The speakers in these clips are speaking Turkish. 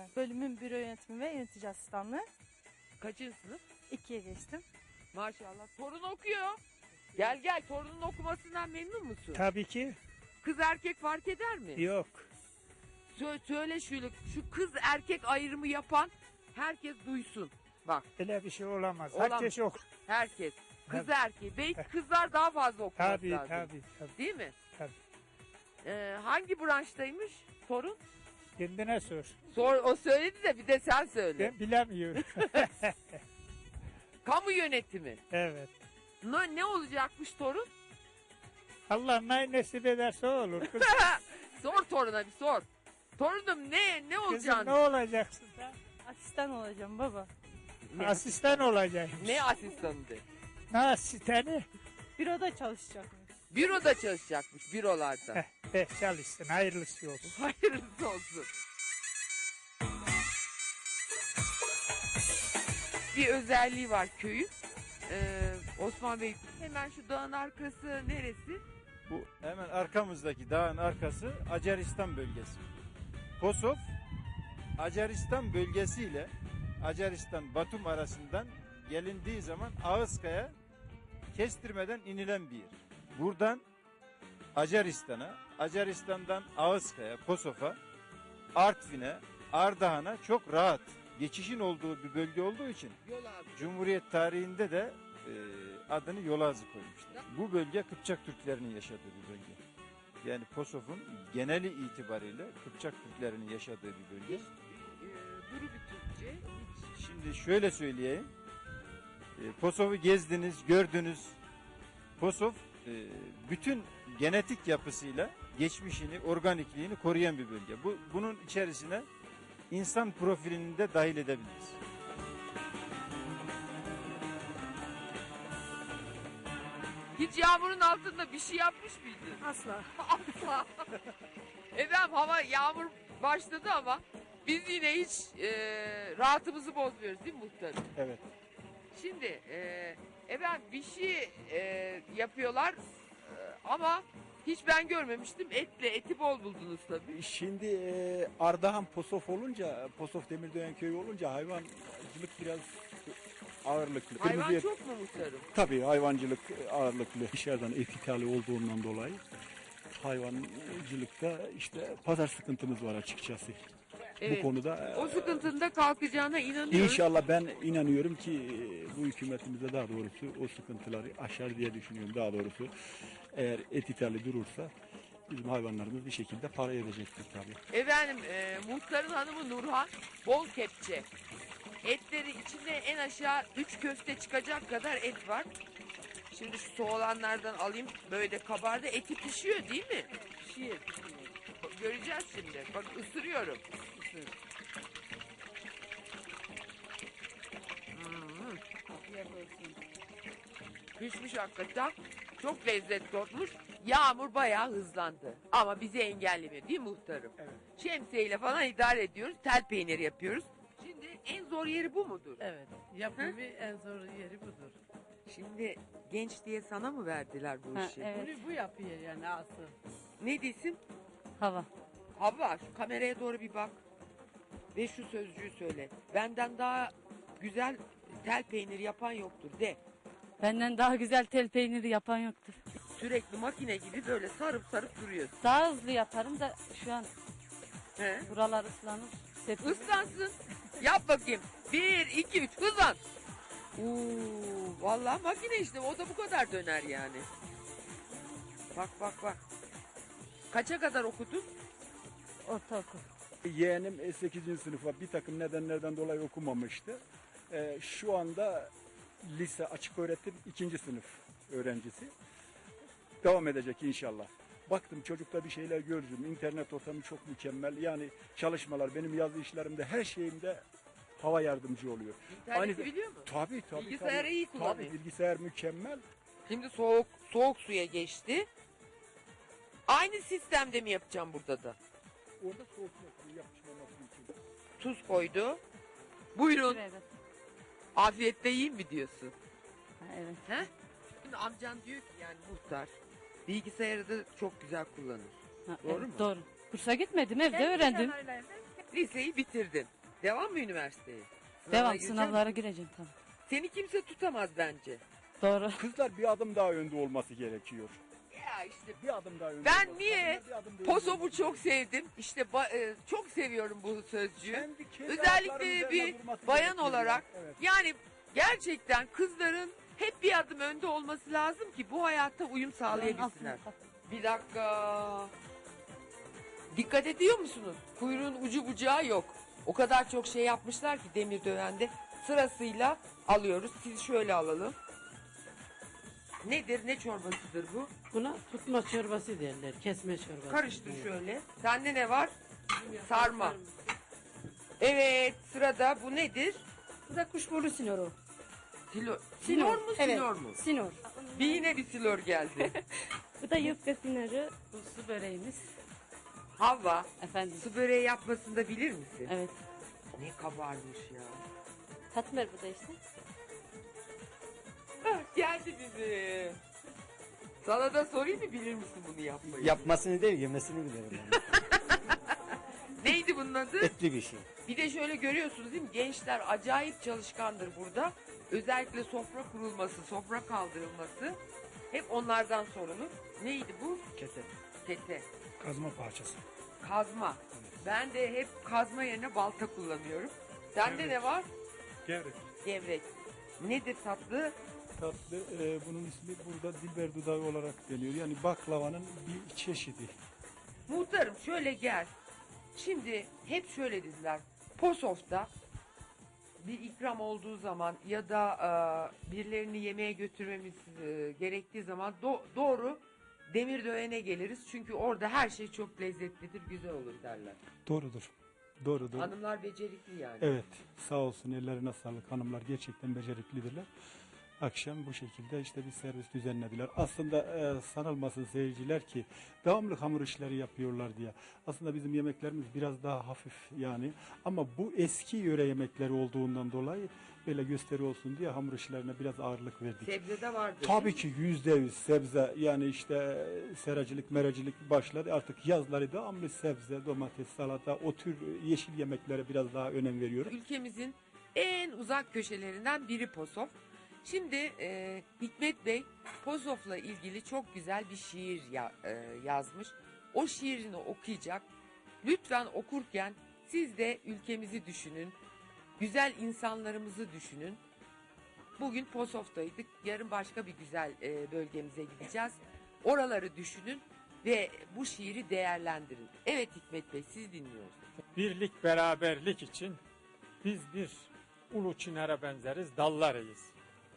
ben. Bölümün büro yönetimi ve yönetici asistanlığı. Kaçıncı sınıf? 2'ye geçtim. Maşallah. Torun okuyor. Gel gel, torunun okumasından memnun musun? Tabii ki Kız erkek fark eder mi? yok. Söyle şu kız erkek ayrımı yapan herkes duysun. Bak, Öyle bir şey olamaz. Olamaz. Herkes yok. herkes. Kız Tabii. erkeği. Belki kızlar daha fazla okuması Tabii lazım. tabii. Değil mi? Tabii. Hangi branştaymış torun? Kendine sor. O söyledi de bir de sen söyle. Ben bilemiyorum. Kamu yönetimi. Evet. Ne olacakmış torun? Allah ne nasip ederse o olur. Kız, Sor toruna bir sor. Torunum ne kızım olacaksın? ne olacaksın sen? Asistan olacağım baba. Asistan olacak. Ne asistanı de? Ne asistanı? Büroda çalışacakmış. Büroda çalışacakmış, bürolarda. Çalışsın. Hayırlısı olsun. Hayırlısı olsun. Bir özelliği var köyün. Osman Bey, hemen şu dağın arkası neresi? Bu hemen arkamızdaki dağın arkası Acaristan bölgesi. Kosov, Acaristan bölgesiyle Acaristan Batum arasından gelindiği zaman Ağızkaya kestirmeden inilen bir yer. Buradan Acaristan'a, Acaristan'dan Ağızkaya, Kosov'a, Artvin'e, Ardahan'a çok rahat geçişin olduğu bir bölge olduğu için Yol abi. Cumhuriyet tarihinde de adını Yolazı koymuşlar. Bu bölge Kıpçak Türklerinin yaşadığı bir bölge. Yani Kosov'un geneli itibariyle Kıpçak Türklerinin yaşadığı bir bölge. Duru bir Türkçe. Şimdi şöyle söyleyeyim. Kosov'u gezdiniz, gördünüz. Kosov bütün genetik yapısıyla geçmişini, organikliğini koruyan bir bölge. Bunun içerisine insan profilini de dahil edebiliriz. Hiç yağmurun altında bir şey yapmış mıydın? Asla. Asla. Efendim hava yağmur başladı ama biz yine hiç rahatımızı bozmuyoruz değil mi muhtarım? Evet. Şimdi efendim bir şey yapıyorlar ama hiç ben görmemiştim. Eti bol buldunuz tabii. Şimdi Ardahan Posof olunca, Posof Demirdöğen köyü olunca hayvancılık biraz ağırlıklı. Hayvan Kırmızı et- çok mu muhtarım? Tabii hayvancılık ağırlıklı. Dışarıdan et ithali olduğundan dolayı hayvancılıkta işte pazar sıkıntımız var açıkçası. Evet. Bu konuda O sıkıntının da kalkacağına inanıyorum. İnşallah ben inanıyorum ki bu hükümetimize daha doğrusu o sıkıntıları aşar diye düşünüyorum. Daha doğrusu eğer et ithali durursa bizim hayvanlarımız bir şekilde para edecektir tabii. Efendim muhtarın hanımı Nurhan bol kepçe. Etleri içinde en aşağı 3 köfte çıkacak kadar et var. Şimdi şu soğulanlardan alayım, böyle kabardı, eti pişiyor değil mi? Pişiyor. Göreceğiz şimdi. Bak ısırıyorum. Pişmiş hakikaten. Çok lezzetli olmuş. Yağmur bayağı hızlandı. Ama bizi engellemiyor değil mi muhtarım? Evet. Şemsiyeyle falan idare ediyoruz. Tel peyniri yapıyoruz. Şimdi en zor yeri bu mudur? Evet, yapımı en zor yeri budur. Şimdi genç diye sana mı verdiler bu Ha, işi? evet. Bunu bu yapıyor yani asıl. Ne desin? Hava. Hava şu kameraya doğru bir bak. Ve şu sözcüğü söyle. Benden daha güzel tel peyniri yapan yoktur de. Benden daha güzel tel peyniri yapan yoktur. Sürekli makine gibi böyle sarıp sarıp duruyorsun. Daha hızlı yaparım da şu an He? buralar ıslanır. Sepet. Islansın. Yap bakayım. 1, 2, 3 hızlan. Oo, vallahi makine işte o da bu kadar döner yani. Bak bak bak. Kaça kadar okudun? Ortaokul. Yeğenim 8. sınıfa bir takım nedenlerden dolayı okumamıştı. Şu anda lise açık öğretim 2. sınıf öğrencisi. Devam edecek inşallah. Baktım çocukta bir şeyler gördüm. İnternet ortamı çok mükemmel. Yani çalışmalar benim yazı işlerimde her şeyimde hava yardımcı oluyor. İnterneti biliyor mu? Tabii. Bilgisayarı tabii. iyi kullanıyor. Tabii bilgisayar mükemmel. Şimdi soğuk suya geçti. Aynı sistemde mi yapacağım burada da? Orada soğuk suyu yapışmaması için. Tuz koydu. Buyurun. Evet. Afiyette yiyin mi diyorsun? Ha, evet. He? Şimdi amcan diyor ki yani muhtar bilgisayarı da çok güzel kullanır. Ha, Doğru evet, mu? Doğru. Kursa gitmedim, evde öğrendim. Liseyi bitirdin. Devam mı üniversiteye? Sınavına Devam gireceksin. sınavlara gireceğim tabii. Seni kimse tutamaz bence. Doğru. Kızlar bir adım daha önde olması gerekiyor. Ya işte Bir adım daha önde. ben olması. niye Kadınlar bir adım daha önde Posof'u olması çok sevdim. İşte çok seviyorum bu sözcüğü. Kendi Özellikle ayaklarının bir üzerine durması bayan gerekiyor olarak ya. Evet. yani gerçekten kızların hep bir adım önde olması lazım ki bu hayatta uyum sağlayabilsinler. Bir dakika. Dikkat ediyor musunuz? Kuyruğun ucu bucağı yok. O kadar çok şey yapmışlar ki demir dövende. Sırasıyla alıyoruz. Siz şöyle alalım. Nedir? Ne çorbasıdır bu? Buna tutma çorbası derler. Kesme çorbası. Karıştır Evet. şöyle. Sende ne var? Sarma. Evet, sırada bu nedir? Bu da kuşburnu sinoru. Silor mu, Evet, silor mu? sinor. Bir yine bir silor geldi. Bu da yufka sinoru. Bu su böreğimiz. Havva, Efendim. su böreği yapmasını da bilir misin? Evet. Ne kabarmış ya. Katmer bu da işte. Ah, geldi bizi. Sana da sorayım mı bilir misin bunu yapmayı? Yapmasını değil yemesini bilirim ben. Neydi bunun adı? Etli bir şey. Bir de şöyle görüyorsunuz değil mi? Gençler acayip çalışkandır burada. Özellikle sofra kurulması, sofra kaldırılması hep onlardan sorulur. Neydi bu? Kete. Kete. Kazma parçası. Kazma. Ben de hep kazma yerine balta kullanıyorum. Sende ne var? Gevrek. Gevrek. Nedir tatlı? Tatlı, bunun ismi burada dilber dudağı olarak deniyor. Yani baklavanın bir çeşidi. Muhtarım şöyle gel. Şimdi hep şöyle dediler. Posof'ta bir ikram olduğu zaman ya da birilerini yemeğe götürmemiz gerektiği zaman doğru Demirdöğen'e geliriz. Çünkü orada her şey çok lezzetlidir, güzel olur derler. Doğrudur. Doğrudur. Hanımlar becerikli yani. Evet, sağ olsun ellerine sağlık, hanımlar gerçekten beceriklidirler. Akşam bu şekilde işte bir servis düzenlediler. Aslında sanılmasın seyirciler ki devamlı hamur işleri yapıyorlar diye. Aslında bizim yemeklerimiz biraz daha hafif yani. Ama bu eski yöre yemekleri olduğundan dolayı böyle gösteri olsun diye hamur işlerine biraz ağırlık verdik. Sebze de vardır. Tabii ki %100 sebze, yani işte seracılık meracılık başladı. Artık yazları devamlı sebze, domates, salata, o tür yeşil yemeklere biraz daha önem veriyoruz. Ülkemizin en uzak köşelerinden biri Posof. Şimdi Hikmet Bey Posof'la ilgili çok güzel bir şiir yazmış. O şiirini okuyacak. Lütfen okurken siz de ülkemizi düşünün. Güzel insanlarımızı düşünün. Bugün Posof'taydık. Yarın başka bir güzel bölgemize gideceğiz. Oraları düşünün ve bu şiiri değerlendirin. Evet Hikmet Bey, siz dinliyoruz. Birlik beraberlik için biz bir ulu çınara benzeriz, dallarıyız.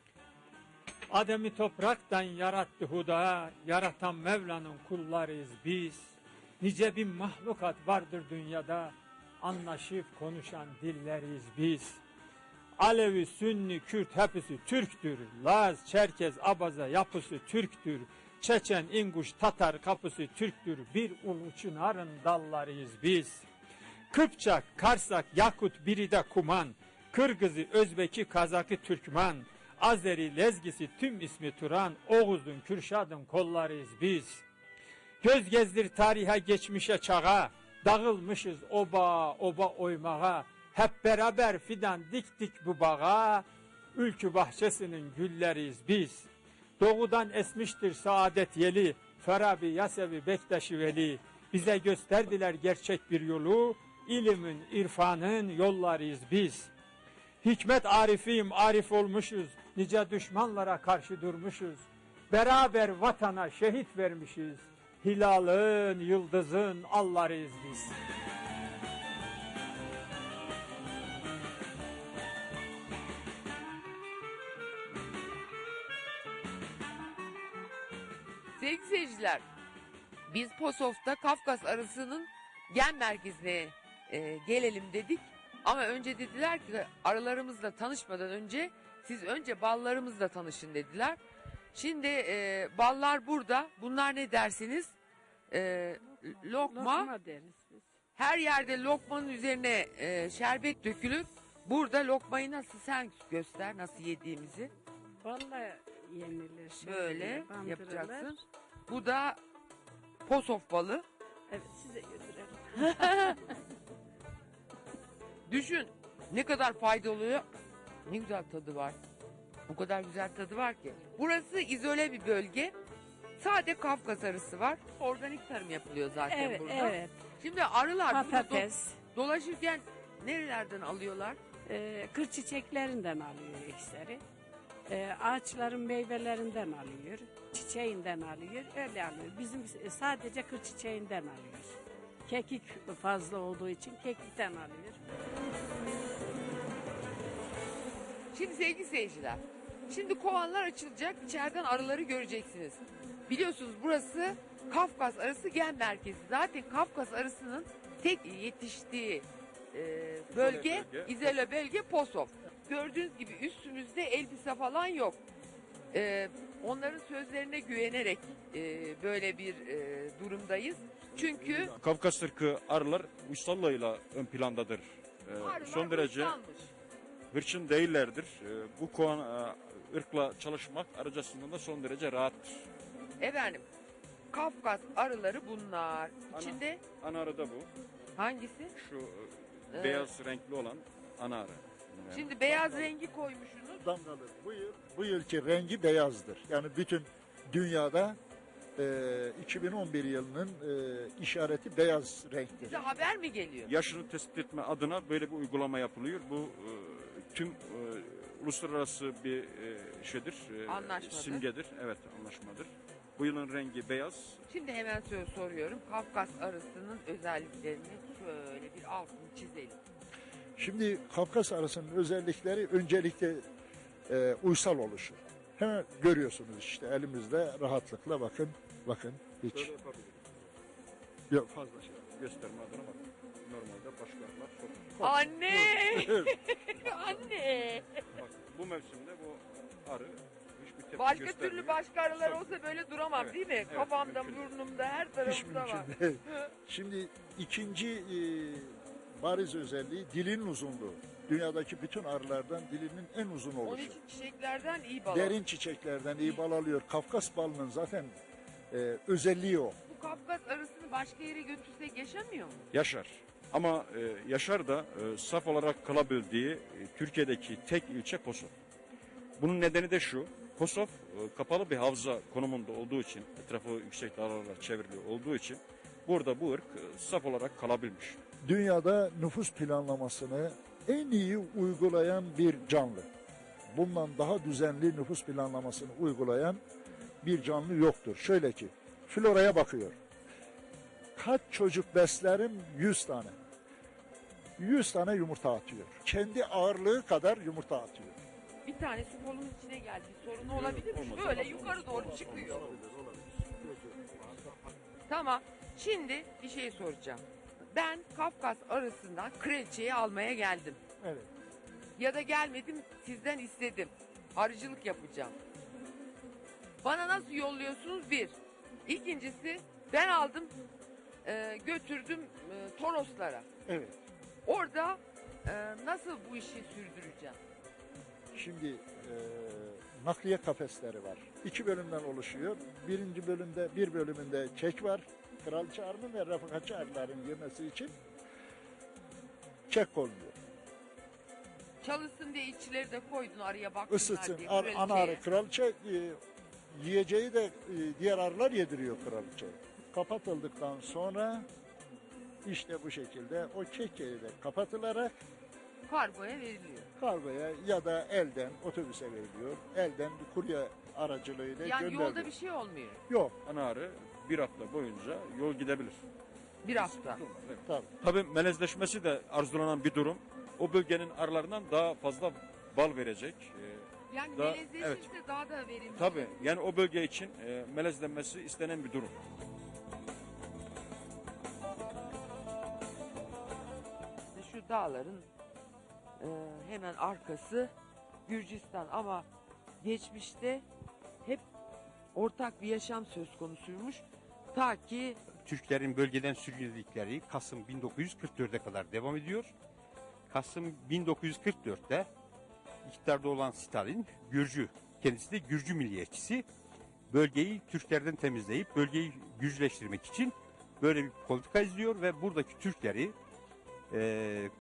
Adem'i topraktan yarattı huda, yaratan Mevla'nın kullarıyız biz. Nice bin mahlukat vardır dünyada, anlaşıp konuşan dilleriyiz biz. Alevi, Sünni, Kürt hepsi Türktür. Laz, Çerkez, Abaza yapısı Türktür. Çeçen, İnguş, Tatar kapısı Türktür. Bir ulu çınarın dallarıyız biz. Kıpçak, Karsak, Yakut, biri de Kuman. Kırgızı, Özbeki, Kazakı, Türkmen. Azeri, Lezgisi, tüm ismi Turan. Oğuz'un, Kürşad'ın kollarıyız biz. Göz gezdir tarihe, geçmişe, çağa. Dağılmışız oba oba oymağa. Hep beraber fidan diktik bu bağa. Ülkü bahçesinin gülleriyiz biz. Doğudan esmiştir saadet yeli. Farabi, Yasevi, Bektaşi Veli. Bize gösterdiler gerçek bir yolu. İlimin, irfanın yollarıyız biz. Hikmet arifiyim, arif olmuşuz. Nice düşmanlara karşı durmuşuz. Beraber vatana şehit vermişiz. Hilalın, yıldızın allarıyız biz. Sevgili seyirciler, biz Posof'ta Kafkas arısının gen merkezine gelelim dedik. Ama önce dediler ki arılarımızla tanışmadan önce siz önce ballarımızla tanışın dediler. Şimdi ballar burada. Bunlar ne dersiniz? Lokma. Lokma deriz biz. Her yerde lokmanın üzerine şerbet dökülür. Burada lokmayı nasıl sen göster nasıl yediğimizi. Vallahi yenilir. Şöyle bandırılır. yapacaksın. Bu da Posof balı. Evet size götürelim. Düşün ne kadar faydalı oluyor. Ne güzel tadı var. O kadar güzel tadı var ki. Burası izole bir bölge. Sade Kafkas arısı var. Organik tarım yapılıyor zaten Evet, burada. evet. Şimdi arılar burada Patates, dolaşırken nerelerden alıyorlar? kır çiçeklerinden alıyor iksiri. Ağaçların meyvelerinden alıyor. Çiçeğinden alıyor. Öyle alıyor. Bizim sadece kır çiçeğinden alıyor. Kekik fazla olduğu için kekikten alıyor. Şimdi sevgili seyirciler, şimdi kovanlar açılacak, içeriden arıları göreceksiniz. Biliyorsunuz burası Kafkas arısı gen merkezi. Zaten Kafkas arısının tek yetiştiği bölge, izole bölge Posof. Gördüğünüz gibi üstümüzde elbise falan yok. Onların sözlerine güvenerek böyle bir durumdayız. Çünkü Kafkas ırkı arılar uysallığıyla ön plandadır. arılar Son derece hırslanmış. hırçın değillerdir. Bu kovan ırkla çalışmak arıcasından da son derece rahattır. Efendim, Kafkas arıları bunlar. İçinde Ana arı da bu. hangisi? Şu Ee, beyaz renkli olan ana arı. Şimdi beyaz rengi koymuşsunuz. Damgalı. Bu yılki rengi beyazdır. Yani bütün dünyada 2011 yılının işareti beyaz renktir. Size haber mi geliyor? Yaşını tespit etme adına böyle bir uygulama yapılıyor. Bu tüm uluslararası bir şeydir. Anlaşmadır. Simgedir. Evet, anlaşmadır. Bu yılın rengi beyaz. Şimdi hemen soruyorum. Kafkas arısının özelliklerini şöyle bir altını çizelim. Şimdi Kafkas arısının özellikleri öncelikle uysal oluşu. Hemen görüyorsunuz işte elimizde rahatlıkla bakın hiç Şöyle yapabiliriz. yok fazla şey. Gösterme adına bak. Normalde başka arılar sokar. Anne! Anne! Bak, bu mevsimde bu arı hiçbir tepki Başka göstermiyor. türlü başka arılar Sok- olsa böyle duramam Evet, değil mi? evet, Kafamda, mümkün değil. burnumda, her Hiç tarafımda var. mümkün değil. Şimdi ikinci bariz özelliği dilin uzunluğu. Dünyadaki bütün arılardan dilinin en uzun Onun oluşu. için çiçeklerden iyi bal. Derin çiçeklerden iyi bal alıyor. Kafkas balının zaten özelliği o. Bu Kafkas arısını başka yere götürsek yaşamıyor mu? Yaşar. Ama Yaşar da saf olarak kalabildiği Türkiye'deki tek ilçe Posof. Bunun nedeni de şu. Posof kapalı bir havza konumunda olduğu için, etrafı yüksek dağlarla çevrili olduğu için burada bu ırk saf olarak kalabilmiş. Dünyada nüfus planlamasını en iyi uygulayan bir canlı. Bundan daha düzenli nüfus planlamasını uygulayan bir canlı yoktur. Şöyle ki, floraya bakıyor. Kaç çocuk beslerim? 100 tane. 100 tane yumurta atıyor. Kendi ağırlığı kadar yumurta atıyor. Bir tanesi kolumun içine geldi. Bir sorunu olabilir mi? Olmaz, Böyle olmaz, yukarı olmaz, doğru olmaz, çıkıyor. olmaz. Tamam. Şimdi bir şey soracağım. Ben Kafkas arısından kraliçeyi almaya geldim. Evet. Ya da gelmedim, sizden istedim. Arıcılık yapacağım. Bana nasıl yolluyorsunuz? Bir. İkincisi, ben aldım, götürdüm Toroslara. Evet. Orada nasıl bu işi sürdüreceğim? Şimdi nakliye kafesleri var. 2 bölümden oluşuyor. Bir bölümünde kek var. Kraliçe arının ve refakatçi arıların yemesi için kek konuluyor. Çalışsın diye içleri de koydun arıya baksınlar Isıtsın. diye. Ana arı kraliçe yiyeceği de diğer arılar yediriyor kraliçe. Kapatıldıktan sonra işte bu şekilde o kekleri de kapatılarak Kargoya veriliyor. kargoya ya da elden otobüse veriliyor. Elden bir kurye aracılığıyla Yani gönderiliyor. yolda bir şey olmuyor. Yok. Ana arı bir hafta boyunca yol gidebilir. Bir hafta. Evet. Tabii. Tabii melezleşmesi de arzulanan bir durum. O bölgenin arılarından daha fazla bal verecek. Yani Daha- melezleşirse evet. daha da verimli. Tabii yani o bölge için melezlenmesi istenen bir durum. Şu dağların hemen arkası Gürcistan ama geçmişte hep ortak bir yaşam söz konusuymuş. Ta ki Türklerin bölgeden sürgünledikleri Kasım 1944'e kadar devam ediyor. Kasım 1944'te iktidarda olan Stalin, Gürcü, kendisi de Gürcü milliyetçisi, bölgeyi Türklerden temizleyip bölgeyi Gürcüleştirmek için böyle bir politika izliyor ve buradaki Türkleri